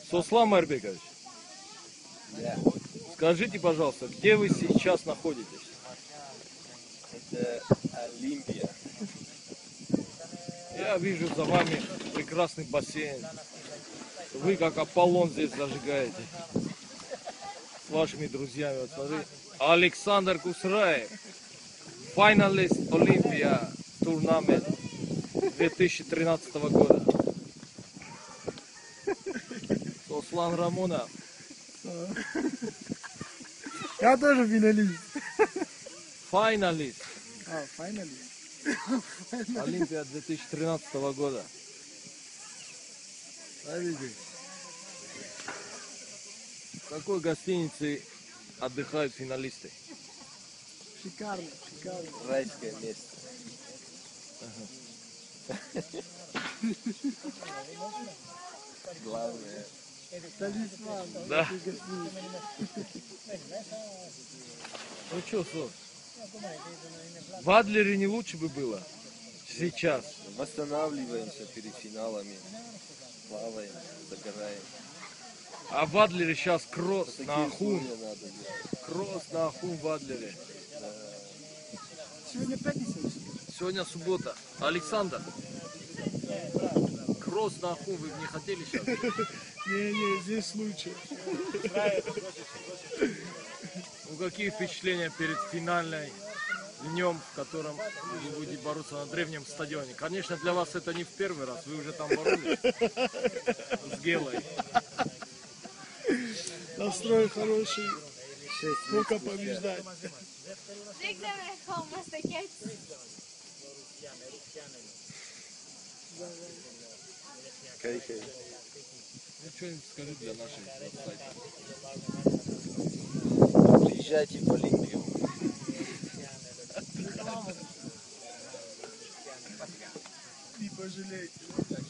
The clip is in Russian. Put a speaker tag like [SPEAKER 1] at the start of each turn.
[SPEAKER 1] Сослан Марбекович,
[SPEAKER 2] Да.
[SPEAKER 1] скажите, пожалуйста, где вы сейчас находитесь?
[SPEAKER 2] Это Олимпия.
[SPEAKER 1] Я вижу за вами прекрасный бассейн. Вы как Аполлон здесь зажигаете. С вашими друзьями. Вот смотри. Александр Кусраев. Финалист Олимпия турнамент 2013 года. Сослан Рамонов.
[SPEAKER 3] Я тоже финалист.
[SPEAKER 1] Финалист.
[SPEAKER 3] Финалист.
[SPEAKER 1] Олимпия 2013 года.
[SPEAKER 3] Смотрите.
[SPEAKER 1] В какой гостинице отдыхают финалисты?
[SPEAKER 3] Шикарно, шикарно.
[SPEAKER 2] Райское место. Главное.
[SPEAKER 3] Талисман.
[SPEAKER 1] Да. Ну что, Сос? В Адлере не лучше бы было? Сейчас.
[SPEAKER 2] Восстанавливаемся перед финалами. Плаваем, загораем.
[SPEAKER 1] А в Адлере сейчас кросс
[SPEAKER 2] Такие
[SPEAKER 1] на Ахун.
[SPEAKER 2] условия надо делать.
[SPEAKER 1] Кросс на Ахун в Адлере.
[SPEAKER 3] Сегодня пятница.
[SPEAKER 1] Сегодня суббота. Александр, кросс на Ахун вы бы не хотели сейчас?
[SPEAKER 3] Не, здесь лучше.
[SPEAKER 1] Ну какие впечатления перед финальной днем, в котором вы будете бороться на древнем стадионе? Конечно, для вас это не в первый раз, вы уже там боролись с Гелой.
[SPEAKER 3] Настрой хороший. Только побеждать.
[SPEAKER 2] Кайфей.
[SPEAKER 1] Ну что-нибудь скажи для наших сайта.
[SPEAKER 2] Приезжайте в Олимпию.
[SPEAKER 3] Не пожалейте.